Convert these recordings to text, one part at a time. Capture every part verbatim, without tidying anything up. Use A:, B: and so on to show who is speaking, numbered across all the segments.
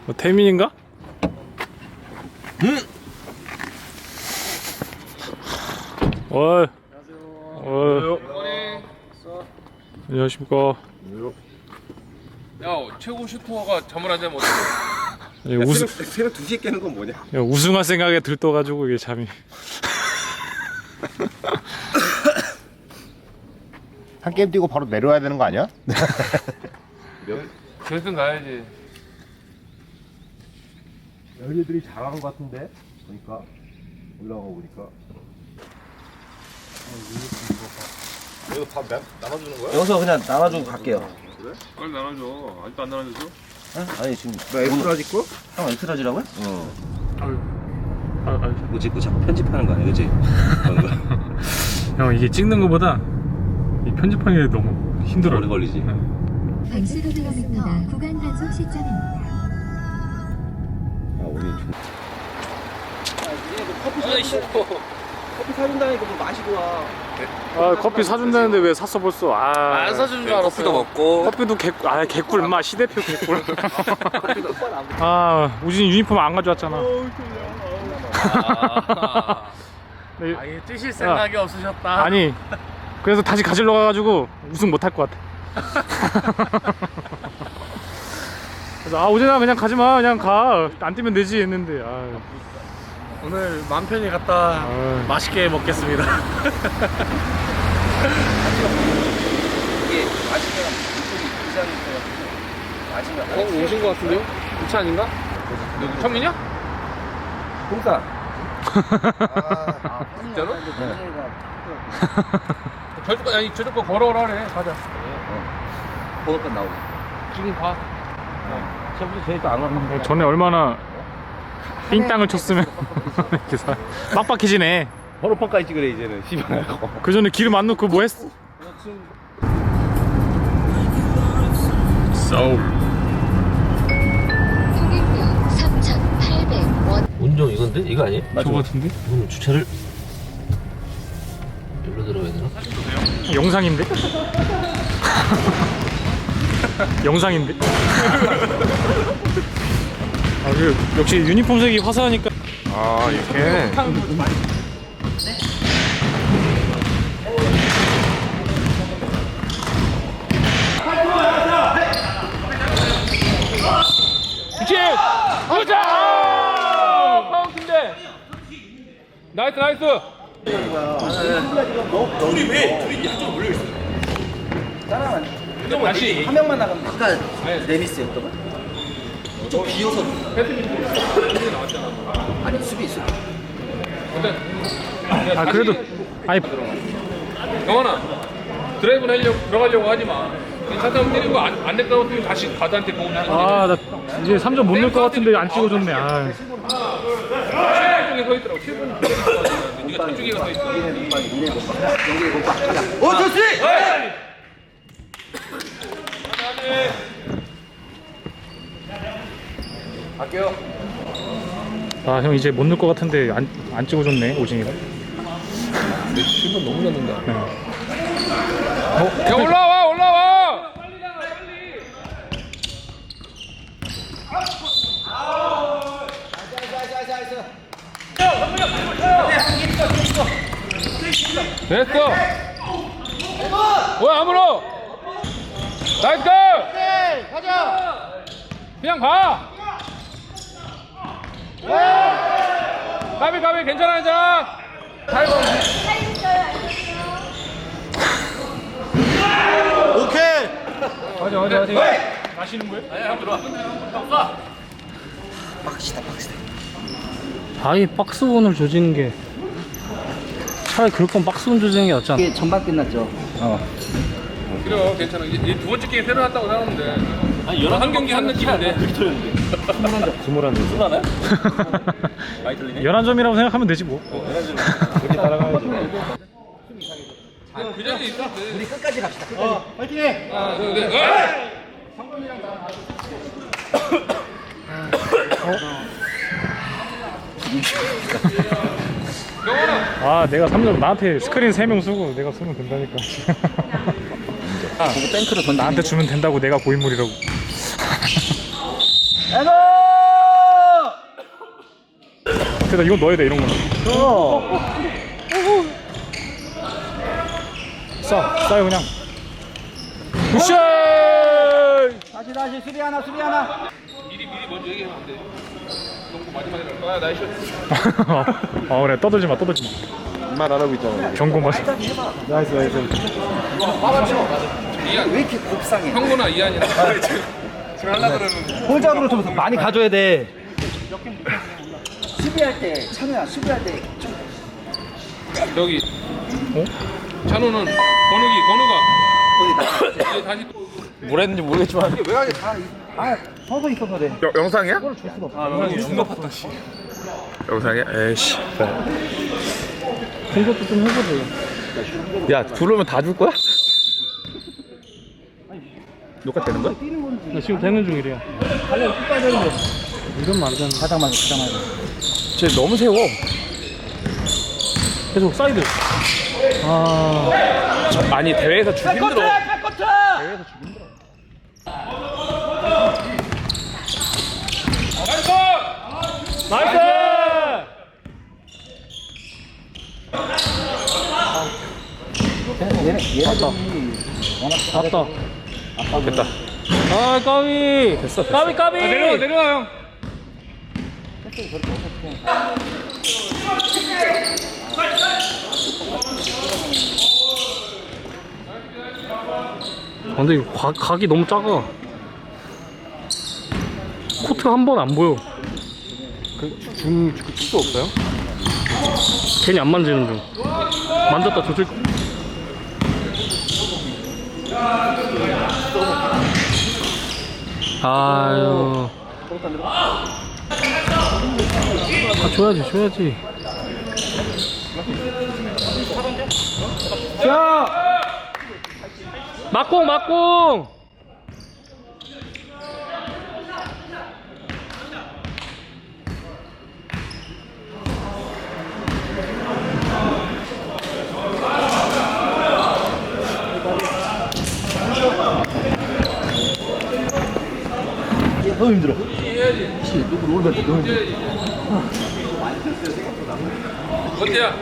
A: 어, 태민인가?
B: 응?
A: 어이.
B: 안녕하세요.
A: 어이. 안녕하십니까.
C: 야, 최고 슈터가 잠을 안 자면 어떡해?
A: 야, 우승,
B: 새벽, 새벽 두 시에 깨는 건 뭐냐?
A: 야, 우승할 생각에 들떠가지고 이게 잠이.
D: 한 게임 뛰고 바로 내려와야 되는 거 아니야?
C: 결승 가야지.
B: 여기들이 잘하는 것 같은데? 보니까 올라가 보니까.
D: 이거 밥 나, 나눠주는 거야?
E: 여기서 그냥 나눠주고 갈게요.
C: 빨리 나눠줘. 아직도 안 나눠줬어?
E: 응? 아니 지금
B: 나 엑스트라지 거?
E: 형 엑스트라지라고요?
B: 어.
A: 아, 아,
E: 뭐지? 그 자꾸 편집하는 거 아니야, 그치?
A: 형, 이게 찍는 거보다 이 편집하는 게 너무 힘들어.
E: 오래 걸리지.
F: 백스로 킬로미터 구간 단속 시점입니다.
B: 아 오늘 좀.
E: 커피 사준다니까 뭐 마시고 와.
A: 아, 커피 사준다는데 왜 샀어 벌써? 아,
C: 안 사준 줄 알았어. 커피도 먹고.
A: 커피도 개꿀. 아, 개꿀. 인마 시대표 개꿀. 아, 우진이 유니폼 안 가져왔잖아.
C: 아,
A: 네,
C: 아예 뛰실 생각이 없으셨다.
A: 아니, 그래서 다시 가지러 가가지고 우승 못 할 것 같아. 그래서 아, 우진아 그냥 가지 마, 그냥 가. 안 뛰면 되지 했는데. 아,
C: 오늘 맘 편히 갔다
A: 아.
C: 맛있게 먹겠습니다.
E: 이게 마시면 이쪽이 이상이 있어가지고 마시면
C: 어, 오신 것 같은데요? 이 차 아닌가? 누구, 청민이야?
E: 공사.
B: 아,
C: 진짜로? 저쪽 거, 아니, 저쪽 거 걸어오라 그래. 가자.
E: 번호판 나오고.
C: 지금 가.
E: 저부터 저희 또안 가면
A: 전에 얼마나 삥땅을 쳤으면 이렇게 사- 빡빡해지네.
B: 번호판까지 찍으래 이제는 씨발.
A: 그 전에 기름 안 넣고 뭐 했어? 서울.
F: 통행료 삼천팔백 원.
E: 운전 이건데? 이거 아니에요?
A: 저거 같은데?
E: 이거는 주차를 여기로 들어가야 되나?
A: 영상인데? 영상인데? 아, 그 역시 유니폼색이 화사하니까.
B: 아 이렇게.
C: 그치! 가자! 카운트인데! 나이스, 나이스! 다시
E: 한 명만 나가면 아까 레미스였던 거? 좀 비어서 아니 수비 수비
A: 아, 그래도 아니
C: 영원아, 드라이브 하려고 들어가려고 하지 마. 괜찮다면 때리고 안, 안 됐다고 하면 다시 가드한테 도움 주는
A: 아, 나 이제 삼 점 못 넣을 것 같은데 안 찍어줬네. 아.
C: 칠 분 쪽에 서 있더라고. 칠 분 쪽에 서 있었는데 네가 저쪽에 서 있어.
E: 어 좋지!
C: 갈게요.
A: 아, 형 이제 못 넣을 것 같은데 안, 안 찍어줬네, 오진이가.
C: 근데 칠 분 너무 넣는다.
A: 네.
C: 야, 올라와, 올라와! 됐어! 왜 아무로! 나이스! 가자! 그냥 가! 가비 가비 괜찮아 괜찮아! 타이거
A: 맞아, 맞아, 맞아. 마시는 거예요?
E: 빡시다 빡시다
A: 아예 박스온을 조지는 게 차라리 그럴 거면 박스온 조지는 게 낫지 않아?
E: 이게 전반 끝났죠?
C: 그래 괜찮아 이제 두 번째 게임 새로 났다고 생각하면 돼. 아니 한 경기 한 느낌인데
B: 스물한 점.
E: 하나요? 많이 틀리네
A: 열한 점이라고 생각하면 되지 뭐.
B: 그렇게 따라가야지.
C: 그 자리에 있었는데
E: 우리 끝까지 갑시다 끝까지
C: 하나 둘셋 영원아
A: 아, 내가 삼 점 나한테 스크린 세 명 쓰고 내가 쓰면 된다니까.
E: 보고 탱크로 던지는
A: 나한테 주면 된다고 내가 고인물이라고.
E: 거.
G: 그래서 이건 넣어야 돼 이런 거는. 싸 싸요 그냥. 굿샷.
E: 다시 다시 수비 하나 수비 하나.
C: 미리 미리 먼저 얘기하면 안 돼. 경고 마지막에 아 나이스.
G: 아 그래 떠들지 마 떠들지 마.
B: 말 안 하고 있잖아.
G: 경고 맞.
B: 나이스 나이스.
C: 이한
E: 왜 이렇게 곱상해?
C: 형구나 이한이나 지금 지금 하려 그러는.
E: 볼작으로 좀 많이 가져야 돼. 수비할 때 찬우야 수비할 때 좀.
C: 저기 어? 찬우는 건욱이 건우가 이제 다시
E: 뭘 했는지 모르겠지만 외곽에 다 아, 서서 있어서 그래.
D: 여, 영상이야?
E: 아, 너무 중갑했다.
D: 영상이야? 에이씨.
A: 공격도 좀 해보세요.
D: 야 들어오면 다 줄 거야? 녹화 되는 거야?
A: 나 지금 되는 중이래요. 이러면 안 되는.
E: 가장 많이 가장 많이.
D: 쟤 너무 세워.
A: 계속 사이드. 아,
D: 아니 대회에서 주기 힘들어.
A: 나이스!
E: 얘네 얘네들이 워낙
A: 맞다.
D: 됐다.
A: 아, 까비. 됐어, 됐어. 까비, 까비.
C: 아, 내려와 내려와 형.
A: 아, 근데 이거 각, 각이 너무 작아. 코트가 한 번 안 보여.
B: 중 축도 없어요?
A: 괜히 안 만지는 중. 만졌다 조질. 아유. 아, 줘야지, 줘야지. 자! 막공, 막공!
E: 너무 힘들어.
C: 어때야?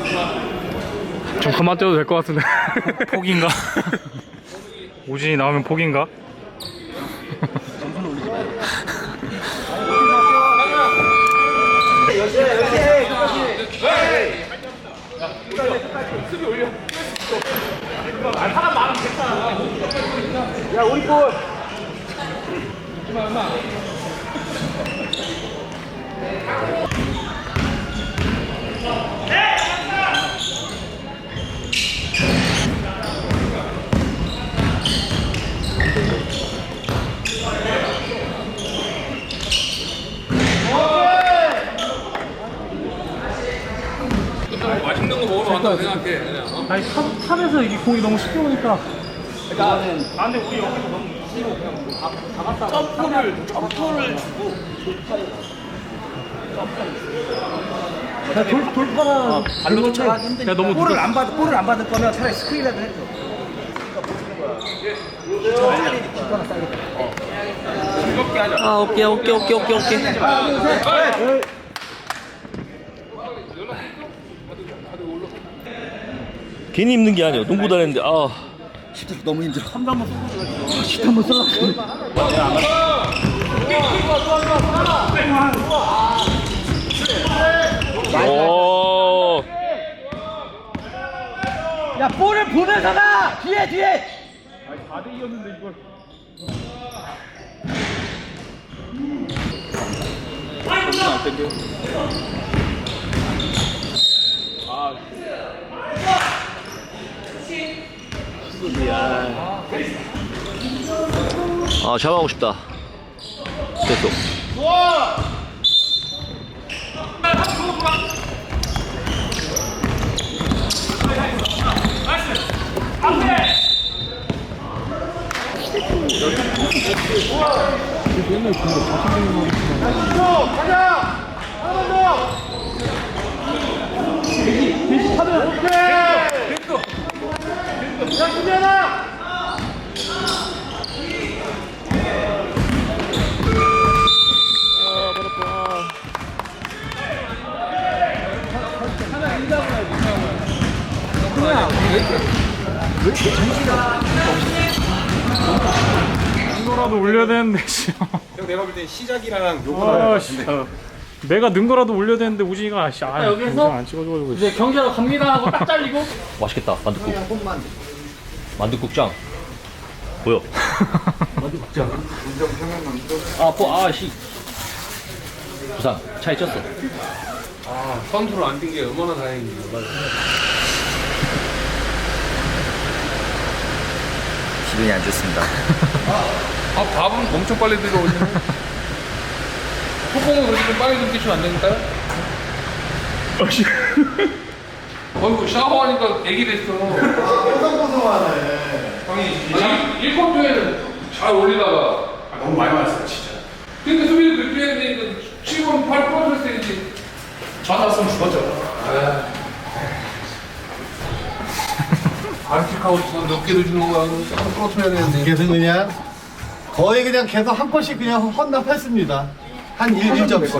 A: 좀 그만 떼도 될 것 같은데. 포기인가? 오진이 나오면 포기인가?
E: 야 우리 볼.
C: 맛있는 거 먹으러 간다고 생각해 그냥. 어?
A: 아니 탑, 탑에서 이게 공이 너무 쉽게 오니까.
E: 나는
A: 아 근데 우리 여기서 너무
E: 점프를 점프를 주고
A: 야, 돌, 돌파나
E: 발로 쫓아가기 힘드니까.
A: 야, 너무
E: 볼을
A: 누가-
E: 안 받, 볼을 안 받을 거면 차라리 스크린이라도 해줘. 차라리 기거나 싸겠다.
H: 아 오케이 오케이 오케이 오케이 오케이. 괜히 힘든 게 아니야. 농구 다녔는데 아.
E: 힘들어 너무 힘들어. 한 번만 쏘고 십 한번 쏠라.
H: 오.
E: 야 볼을 보면서 가. 뒤에 뒤에.
H: 아 잡아가고 싶다. 됐어.
G: 이거라도 올려야 되는데 씨.
B: 형 내가 볼 땐 시작이랑 요거
G: 아, 씨. 내가 는 거라도 올려야 되는데 우진이가 씨. 아,
A: 여기서
G: 안 찍어줘가지고.
A: 이제 경기하러 갑니다 하고 딱 잘리고.
E: 맛있겠다 만둣국 만둣국장 보여 아뽀 아씨 부산 차에 쪘어
C: 아, 컨트롤 안 된 게 얼마나 다행인지.
E: 기분이 안 좋습니다
C: 아, 밥은 엄청 빨리 들어오시네. 소금은 그렇게 좀 빨리 좀 드시면 안 되니까요? 어이구, 샤워하니까 애기 됐어. 형이 일 쿼터에는 잘 올리다가.
B: 아, 너무 많이 맞았어요 진짜.
C: 근데 수비를 그렇게 해야 되니까 칠 번, 팔 번 풀었어야지.
B: 맞았으면 죽었죠.
C: 반칙하고 몇 개도 주는 거야. 조금 풀어줘야 되는데.
I: 그래서 그냥 거의 그냥 계속 한 번씩 그냥 헌납했습니다. 한 일 점씩.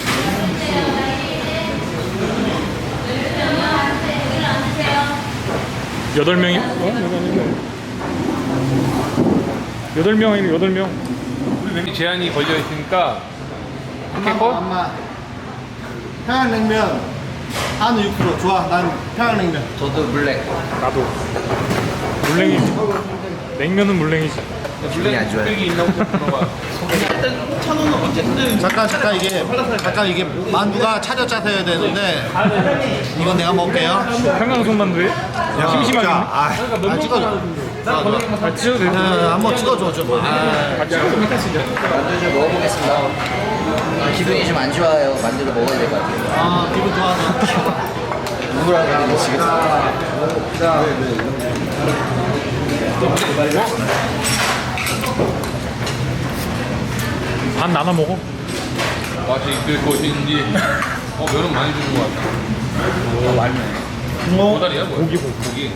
G: 여덟 명이? 어? 여덟 명 아니면 여덟 명.
C: 우리 멤버 제한이 걸려 있으니까. 포켓볼?
I: 엄마 평양냉면 한우 육 퍼센트 좋아. 난 평양냉면.
E: 저도 블랙
G: 나도. 물냉이. 냉면은 물냉이지.
E: 기분이 안 좋아요
C: 여기 있나 보다 물어봐.
I: 잠깐 잠깐 이게 잠깐 이게 만두가 차려 짜서 해야 되는데 이건 내가 먹을게요.
G: 평양송 만두에? 심심하게.
I: 아, 아 찍어줘.
G: 아, 찍어도 돼.
I: 아, 한번 찍어줘 좀. 아,
E: 만두 좀 먹어보겠습니다 아, 기분이 좀 안 좋아요 만두를 먹어야 될 것 같아요
I: 아 기분 좋아서.
E: 누구라고 드시겠습니다
G: 반 나눠 먹어.
C: 맛이 있을 것인지. 어, 면은 많이 주는 것 같아.
E: 어, 맛있네
C: 고다리야, 뭐야? 고기, 고기.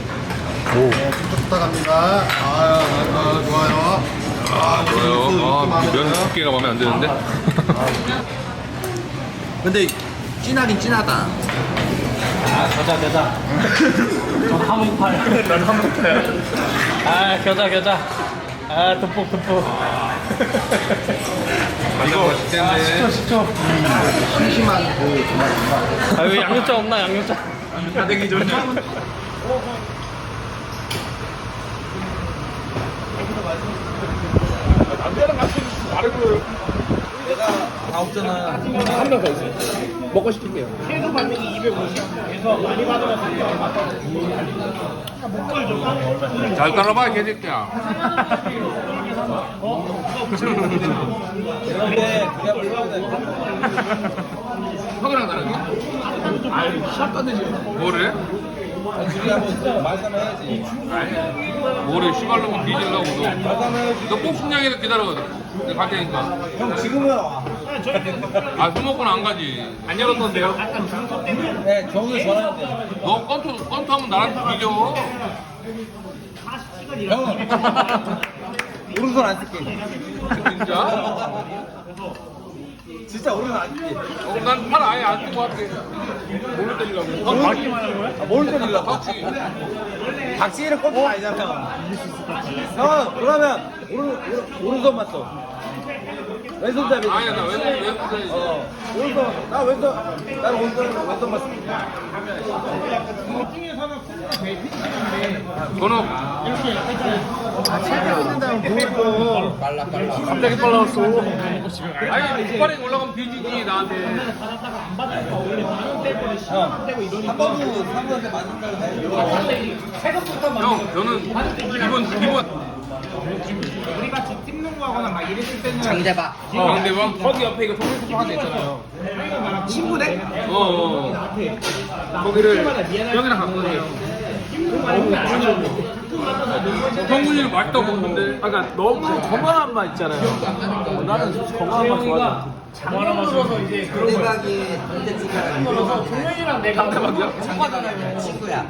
I: 부탁합니다. 아, 아 좋아요. 아,
C: 좋아요. 아, 면 두께가 마음에 안 드는데?
I: 근데 진하긴 진하다.
H: 아 겨자 겨자 전 한국팔 난 한국팔 아 겨자 겨자 아 듬뿍 듬뿍
C: 이거 맛있겠네.
I: 심심한 그 정말.
H: 아 여기 양념장 없나 양념장
C: 다대기 좀. 잘 따라봐, 개새끼야. 형이랑 다르게? 뭐래? 뭐래, 씨발로만 뒤질라고 너. 너 복싱장에서 기다려. 내가 갈 테니까. 형 지금은 와. 아, 술 먹고는 안 가지. 안 열었던데요?
H: 네 정우 전화하는데
C: 너 건투, 건투 하면 나랑 비교.
H: 오른손 안 쓸게
C: 진짜?
H: 진짜 오른손 안 쓸게
C: 어, 난 팔 아예 안 쓰고 할게. 뭘로 때리려고?
H: 아, 맞기만 하는 거야? 아, 뭘 때리려고?
C: 박치.
H: 박지희는 꼼수 아니잖아 형 그러면 오른, 오른, 오른손만 써 왼손잡이
C: 아니야, 나 왼손, 왼손.
H: 어 오른손 나 왼손 나는 오른손 왼손만 써
C: 번호.
G: 갑자기 빨라졌어.
C: 아니, 폭발이 올라가면 뒤지지, 나한테.
H: 한 번도 상관한테 맞는다고
C: 형, 저는 기본, 기본.
E: 장대박
C: 강대방? 거기 옆에 이거 동물숲 하나 있잖아요. 친구네? 어, 어. 거기를 형이랑 갔거든요. 성군이는 맛있다고 먹는데.
H: 아, 그러니까 너무 건강한 맛 있잖아요 어, 나는 건강한 맛 좋아하잖아
A: 장면으로서 이제 그런 거야.
E: 대박이 반대쪽이랑
A: 종현이랑 내가
E: 장대박이야? 친구야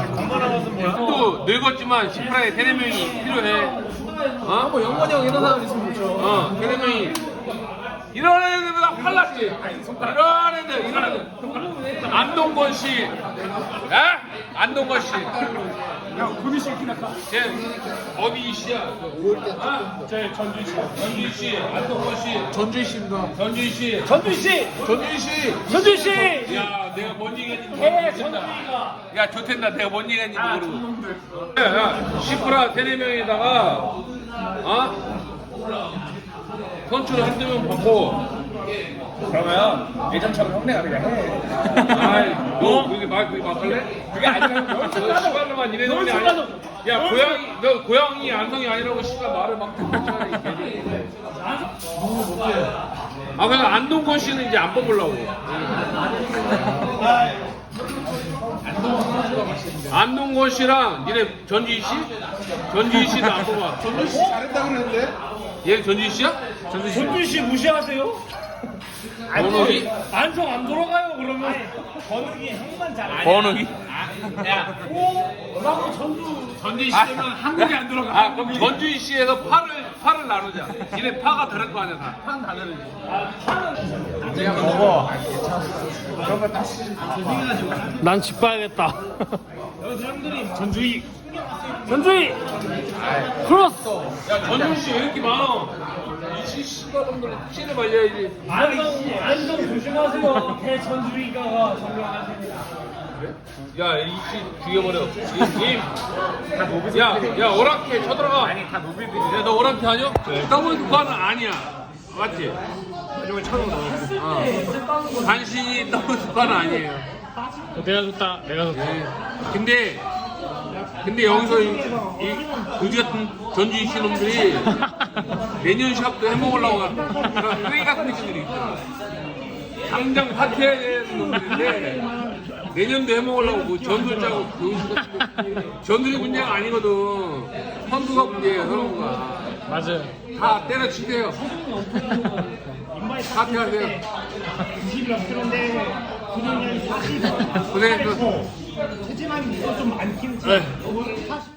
C: 또 늙었지만 시프라에 세네 명이 필요해. 어?
H: 뭐 영건이 형 이런 사람 있으면 좋죠
C: 어, 세네 명이. 이런 애들보다 팔랐지. 이런 애들, 이런 애들. 안동건 씨. 에? 안동거 씨. 야, 군이 새끼나. 쟤 어디 씨야? 아, 쟤 전준 씨. 전준 씨, 안동거 씨. 전준 씨입니다. 전준 씨.
H: 전준 씨!
C: 전준 씨.
H: 전준 씨!
C: 야, 내가 뭔 얘기했는지
H: 예,
C: 모르겠다.
H: 전준이가.
C: 야, 좋댄다. 내가 뭔 얘기했는지 모르고. 야, 야, 시프라 세네 명에다가 어? 선출 한두 명 받고.
H: 그러면 예전처럼 형네가 그냥 해.
C: 아이, 너 그게 말 그게 막할래?
H: 그게 아니라
C: 너 시발로만 이래 놓은 게 아니야. 야, 고양이 너 고양이 안성이 아니라고 씨발 말을 막 듣잖아. 아, 그냥 안동건 씨는 이제 안 뽑으려고. 안동건 씨랑 니네 전지희 씨? 전지희 씨도 안 뽑아. 전지희 씨 잘했다 그랬는데? 얘 전지희 씨야?
H: 전준 씨 무시하세요?
C: 번욱이?
H: 안성 안 돌아가요 그러면. 번욱이 형만 잘.
C: 번욱이?
H: 야, 오, 나도 전주.
C: 전지희 씨는 한국에 안 들어가. 아, 그럼 전지희 씨에서 파를 파를 나누자. 니네 파가 다를 거 아니야 다. 파는 다 다르지.
H: 난 집 봐야겠다. 사람들이 전주희. 전주희. 크로스.
C: 야, 전지희 씨 왜 이렇게 많아? 이 씨발놈들 씨를 말려야지.
H: 안성 안성 조심하세요. 대전주희가 점령하십니다.
C: 야, 이 씨 죽여버려. 이, 이. 야, 야, 오랑캐 쳐들어가. 아니, 다 노비들이. 야, 너 오랑캐 아니야? 더블 국가는 아니야. 맞지? 이쪽에 쳐들어. 어. 간신히 더블 국가는 아니에요.
H: 내가 줬다. 내가 줬다.
C: 근데, 근데 여기서 이, 이 거지 같은 전주희 씨 놈들이 내년 샵도 해먹으려고 그런 쓰레기 같은 새끼들이 있어. 당장 파티해야 되는 놈들인데 내년도 해먹으려고 뭐 전술 짜고 병신 같은 거. 전술이 문제가 아니거든. 선수가 문제예요, 선수가.
H: 맞아요.
C: 다 때려치세요. 파티하세요. 고생했어.
H: 체지방이 좀 많긴 해.